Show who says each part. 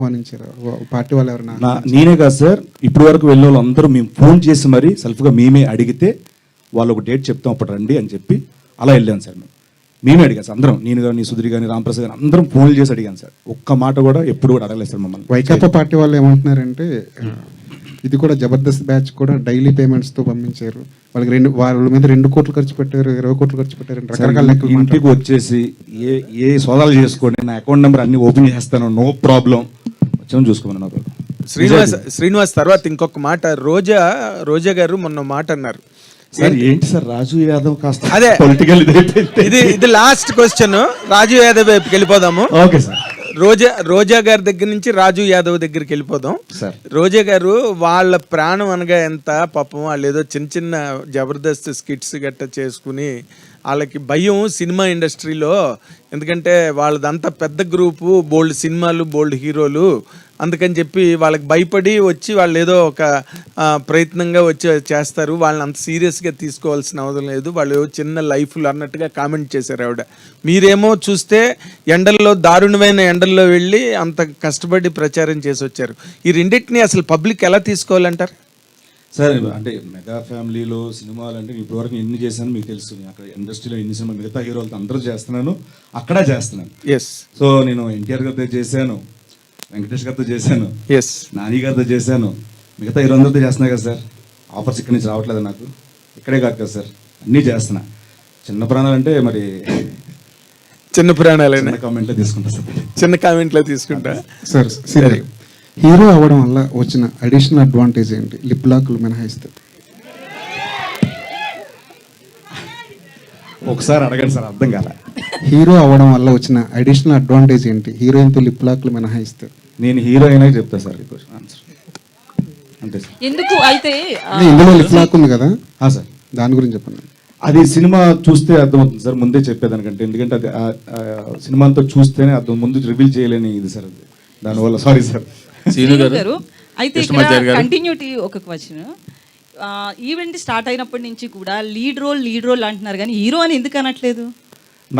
Speaker 1: ఆహ్వానించారు పార్టీ వాళ్ళు ఎవరైనా?
Speaker 2: నేనే కాదు సార్, ఇప్పటి వరకు వెళ్ళిన వాళ్ళు అందరూ మేము ఫోన్ చేసి మరీ సెల్ఫ్గా మేమే అడిగితే వాళ్ళు ఒక డేట్ చెప్తాం అప్పుడు రండి అని చెప్పి అలా వెళ్ళాను సార్. మేమే అడిగాను సార్ అందరం, నేను కానీ సుధీర్ కానీ రామప్రసాద్ కానీ అందరం ఫోన్లు చేసి అడిగాను సార్. ఒక్క మాట కూడా ఎప్పుడు కూడా అడగలేదు సార్ మమ్మల్ని.
Speaker 1: వైకాపా పార్టీ వాళ్ళు ఏమంటున్నారంటే ఇది కూడా జబర్దస్త్ బ్యాచ్ కూడా డైలీ పేమెంట్స్తో పంపించారు, వాళ్ళకి వాళ్ళ మీద 2 కోట్లు ఖర్చు పెట్టారు, 20 కోట్లు ఖర్చు పెట్టారు, రకరకాల లెక్కలు.
Speaker 2: ఇంటికి వచ్చేసి ఏ సోదాలు చేసుకోండి, నా అకౌంట్ నెంబర్ అన్ని ఓపెన్ చేస్తాను, నో ప్రాబ్లం, వచ్చాము చూసుకోమని.
Speaker 3: శ్రీనివాస్ తర్వాత ఇంకొక మాట, రోజా గారు మొన్న మాట అన్నారు
Speaker 2: సార్. ఏంటి సార్ రాజు యాదవ్ కాస్త
Speaker 3: అదే
Speaker 2: పొలిటికల్
Speaker 3: ఇది లాస్ట్ క్వశ్చన్, రాజు యాదవ్ వైపుకి వెళ్ళిపోదాము.
Speaker 2: Okay sir.
Speaker 3: రోజా గారి దగ్గర నుంచి రాజు యాదవ్ దగ్గరికి వెళ్ళిపోదాం. రోజా గారు వాళ్ళ ప్రాణం అనగా ఎంత పాపం, వాళ్ళు ఏదో చిన్న జబర్దస్త్ స్కిట్స్ గట్ట చేసుకుని వాళ్ళకి భయం సినిమా ఇండస్ట్రీలో, ఎందుకంటే వాళ్ళదంతా పెద్ద గ్రూపు, బోల్డ్ సినిమాలు, బోల్డ్ హీరోలు, అందుకని చెప్పి వాళ్ళకి భయపడి వచ్చి వాళ్ళు ఏదో ఒక ప్రయత్నంగా వచ్చి చేస్తారు, వాళ్ళని అంత సీరియస్గా తీసుకోవాల్సిన అవసరం లేదు, వాళ్ళు చిన్న లైఫ్లు అన్నట్టుగా కామెంట్ చేశారు ఆవిడ. మీరేమో చూస్తే ఎండల్లో, దారుణమైన ఎండల్లో వెళ్ళి అంత కష్టపడి ప్రచారం చేసి వచ్చారు. ఈ రెండింటిని అసలు పబ్లిక్ ఎలా తీసుకోవాలంటారు
Speaker 2: సార్? అంటే మెగా ఫ్యామిలీలో సినిమాలు అంటే ఇప్పటివరకు ఎన్ని చేశాను మీకు తెలుసు. అక్కడ ఇండస్ట్రీలో ఎన్ని సినిమా మిగతా హీరోలతో అందరూ చేస్తున్నాను, అక్కడ చేస్తున్నాను. సో నేను ఎన్టీఆర్ గారితో చేశాను, వెంకటేష్ గారితో చేశాను, నాని గారితో చేశాను, మిగతా హీరోలందరితో చేస్తున్నా కదా సార్. ఆఫర్స్ ఇక్కడి నుంచి రావట్లేదు నాకు, ఇక్కడే కాదు కదా సార్, అన్నీ చేస్తున్నా. చిన్న ప్రాణాలు అంటే మరి
Speaker 3: చిన్న ప్రాణాలైనా
Speaker 2: కామెంట్లో తీసుకుంటా సార్,
Speaker 3: చిన్న కామెంట్లో తీసుకుంటా
Speaker 1: సార్. హీరో అవ్వడం వల్ల వచ్చిన అడిషనల్ అడ్వాంటేజ్ ఏంటి, లిప్ లాక్లు మినహాయిస్తే?
Speaker 2: ఒకసారి అడగండి సార్, అర్థం కాల.
Speaker 1: హీరో అవ్వడం వల్ల వచ్చిన అడిషనల్ అడ్వాంటేజ్ ఏంటి, హీరోయిన్తో లిప్ లాక్లు మినహాయిస్తే?
Speaker 2: నేను హీరో అయినా చెప్తా సార్ ఆన్సర్, అంతే సార్.
Speaker 4: ఎందుకు అయితే
Speaker 1: ఇందులో లిప్ లాక్ ఉంది కదా
Speaker 2: సార్,
Speaker 1: దాని గురించి చెప్పండి.
Speaker 2: అది సినిమా చూస్తే అర్థమవుతుంది సార్, ముందే చెప్పేదానికంటే, ఎందుకంటే అది సినిమా అంతా చూస్తేనే అర్థం, ముందు రివీల్ చేయలేని ఇది సార్ అది, దానివల్ల సారీ సార్.
Speaker 4: గారు అయితే కంటిన్యూటీ ఒక క్వశ్చన్, ఈవెంట్ స్టార్ట్ అయినప్పటి నుంచి కూడా లీడ్ రోల్ అంటున్నారు కానీ హీరో అని ఎందుకు అనట్లేదు?